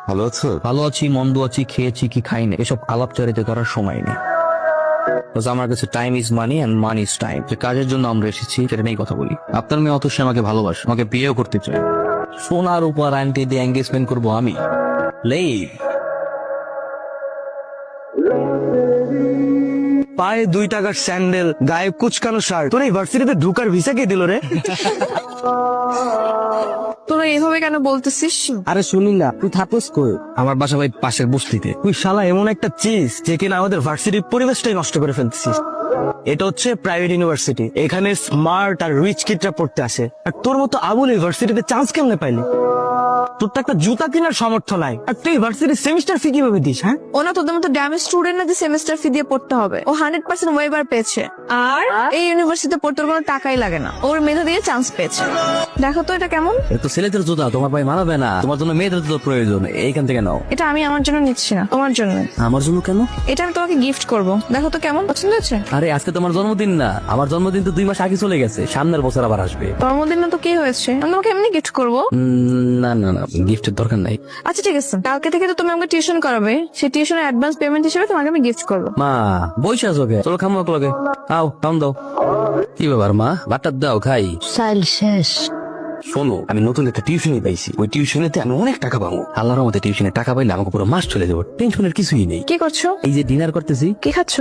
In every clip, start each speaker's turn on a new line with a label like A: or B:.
A: ভালো আছো?
B: ভালো আছি, মন্দ আছি, খেয়েছি কি খাইনি, এসব আলাপচারিতা করার সময় নেই। আমার কাছে time is money and money is time. যে কাজের জন্য আমরা এসেছি সেটা নিয়েই কথা বলি। আপনার মেয়ে অতসী আমাকে ভালোবাসে, আমাকে বিয়েও করতে চায়। সোনার উপর আন্টি দিয়ে এঙ্গেজমেন্ট করবো আমি। লেই
C: পায়ে 2 টাকার স্যান্ডেল, গায়ে কুচকানো শার্ট, তোর ইউনিভার্সিটিতে ঢুকার ভিসা কে দিল রে?
D: তোরা এভাবে কেন বলতেছিস?
C: আরে শুনি না, তুই থাকস কই?
B: আমার বাসা ভাই পাশের বস্তিতে।
C: তুই শালা এমন একটা চিজ যে কিনা আমাদের ভার্সিটির পরিবেশটাই নষ্ট করে ফেলতেছিস। এটা হচ্ছে প্রাইভেট ইউনিভার্সিটি, এখানে স্মার্ট আর রিচ কিডরা পড়তে আসে। আর তোর মতো আবুল ইউনিভার্সিটিতে চান্স কেমনে পাইলি? তোর তো একটা জুতা কেনার সামর্থ্য নাই, আর তুই ইউনিভার্সিটির সেমিস্টার ফি কিভাবে দিস? হ্যাঁ,
D: ওনা তোদের মতো ড্যামেজ স্টুডেন্ট না যে সেমিস্টার ফি দিয়ে পড়তে হবে। ও 100% ওয়েবার পেয়েছে, আর এই ইউনিভার্সিটিতে পড়তে ওর কোনো টাকাই লাগে না। ওর মেধা দিয়ে চান্স পেয়েছে। দেখো তো এটা কেমন?
B: এ তো ছেলেদের জুতা, তোমার ভাই মানাবে না। তোমার জন্য মেয়েদের জুতো প্রয়োজন, এইখান থেকে নাও।
D: এটা আমি আমার জন্য নিচ্ছি না, তোমার জন্য।
B: আমার জন্য কেন?
D: এটা আমি তোমাকে গিফট করব, দেখো তো কেমন পছন্দ হয়েছে।
B: আরে আজকে তোমার জন্মদিন না, আমার জন্মদিন তো 2 মাস আগে চলে গেছে, সামনের বছর আবার আসবে।
D: জন্মদিন না তো কি হয়েছে, আমি তোমাকে এমনি গিফট করবো।
B: না না না, গিফটের দরকার নাই।
D: আচ্ছা ঠিক আছে, কালকে থেকে তো তুমি আমাকে টিউশন করাবে, সেই টিউশনের অ্যাডভান্স পেমেন্ট হিসেবে তোমাকে আমি গিফট করবো।
B: মা বইসা আছো কে? চলো খামো লগে, আও খাম দাও। কি ব্যাপার মা, বাটার দাও খাই।
E: চাইল শেষ।
B: শোনো, আমি নতুন একটা টিউশনি পাইছি, ওই টিউশনেতে আমি অনেক টাকা পাবো। আল্লাহর মধ্যে টিউশনে টাকা পাইলে আমাকে পুরো মাস চলে যাবো, টেনশনের কিছুই নেই।
D: কি করছো?
B: এই যে ডিনার করতেছি।
D: কি খাচ্ছো?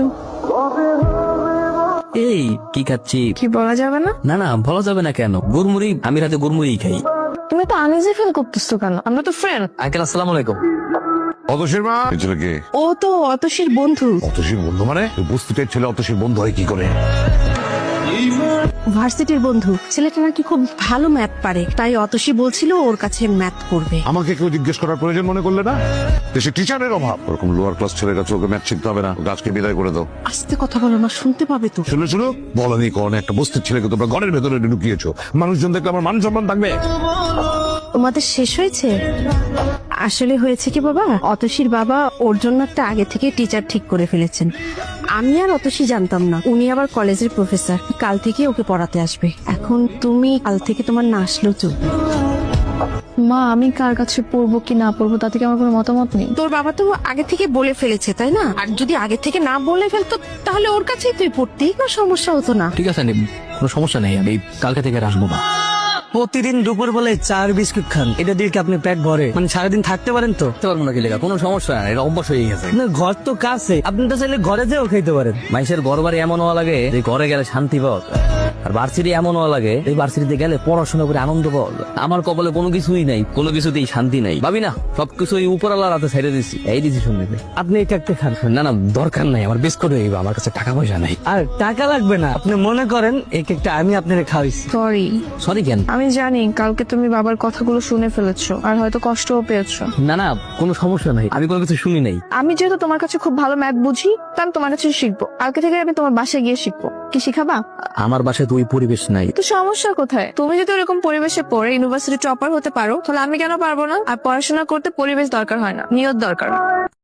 B: এই কি খাচ্ছি?
D: কি বলা যাবে না?
B: না না, বলা যাবে না কেন? গুড়মুড়ি, আমি রাতে গুড়মুড়ি খাই।
D: তুমি তো আনইজি ফিল করতেছো কেন? আমরা তো ফ্রেন্ড।
B: আঙ্কেল আসসালামু আলাইকুম।
A: অতসীর মা? এই ছেলেকে?
E: ও তো অতসীর বন্ধু।
A: অতসীর বন্ধু মানে? ওই বস্তিটার ছেলে অতসীর বন্ধু হয় কি করে?
E: ভার্সিটির বন্ধু। ছেলেটা নাকি খুব ভালো ম্যাথ পারে, তাই অতসী বলছিল ওর কাছে ম্যাথ করবে।
A: আমাকে কেউ জিজ্ঞেস করার প্রয়োজন মনে করলে না? দেশে টিচারের অভাব, ওরকম লোয়ার ক্লাস ছেলের কাছে ওকে ম্যাথ শিখতে হবে না, ওকে আজকে বিদায় করে দাও।
E: আস্তে কথা বলো না, শুনতে পাবে তো।
A: শুনে শুনো, বলেনি কোন একটা বস্তির ছেলেকে তোমরা ঘরের ভেতরে ঢুকিয়েছো, মানুষজন দেখলে আমার মান সম্মান থাকবে?
E: তোমাদের শেষ হয়েছে? আসলে হয়েছে কি বাবা, অতসীর বাবা ওর জন্য একটা আগে থেকে টিচার ঠিক করে ফেলেছেন। আমি আর অতসী জানতাম না, উনি আবার কলেজের প্রফেসর, কাল থেকে ওকে পড়াতে আসবে। এখন তুমি কাল থেকে তোমার না আসলেও চলবে।
D: মা, আমি কার কাছে পড়বো কি না পড়বো তাতে কি আমার কোনো মতামত নেই।
E: তোর বাবা তো আগে থেকে বলে ফেলেছে, তাই না? আর যদি আগে থেকে না বলে ফেলতো তাহলে ওর কাছেই তুই পড়তেই না, সমস্যা হতো না।
B: ঠিক আছে, কোনো সমস্যা নেই, আমি কালকে থেকে আর আসবো না।
C: প্রতিদিন দুপুর বেলে 4 বিস্কুট খান, এটা দিয়ে কি আপনি পেট ভরে? মানে সারাদিন থাকতে পারেন তো?
B: বুঝতে পারবো না কি লেখা, কোনো সমস্যা নাই, এটা অভ্যাস হয়ে গেছে।
C: আপনার ঘর তো কাছে, আপনি তো চাইলে ঘরে যেও খাইতে পারেন।
B: মানুষের ঘর বাড়ি এমন হওয়া লাগে যে ঘরে গেলে শান্তি পাওয়া যায়। আর ভার্সিটি এমন হওয়া লাগে এই ভার্সিটিতে গেলে পড়াশোনা করে আনন্দ পাওয়া যায়। আমার কপালে কোনো কিছুই নাই, কোনো কিছুতেই শান্তি নাই, ভাবি না সবকিছু এই উপরওয়ালার হাতে ছেড়ে দিচ্ছি, এই ডিসিশন নেবে।
C: আপনি এটা একটা খান।
B: না না, দরকার নাই, আমার বিস্কুট হয়ে যাবে, আমার কাছে টাকা পয়সা নাই।
C: আর টাকা লাগবে না, আপনি মনে করেন এই কেকটা আমি আপনারে খাওয়াইছি।
D: সরি।
B: সরি কেন?
D: আমি জানি কালকে তুমি বাবার কথাগুলো শুনে ফেলেছো আর হয়তো কষ্টও পেয়েছো।
B: না না, কোনো সমস্যা নাই, আমি কোনো কিছু শুনি নাই।
D: আমি যেহেতু তোমার কাছে খুব ভালো ম্যাথ বুঝি, তা আমি তোমার কাছে শিখবো। কালকে থেকে আমি তোমার বাসায় গিয়ে শিখবো। কি শিখাবা?
B: আমার বাসায় তো ওই পরিবেশ নাই।
D: তো সমস্যা কোথায়? তুমি যদি ওরকম পরিবেশে পড়ে ইউনিভার্সিটি টপার হতে পারো, তাহলে আমি কেন পারবো না? আর পড়াশোনা করতে পরিবেশ দরকার হয় না, নিয়ত দরকার।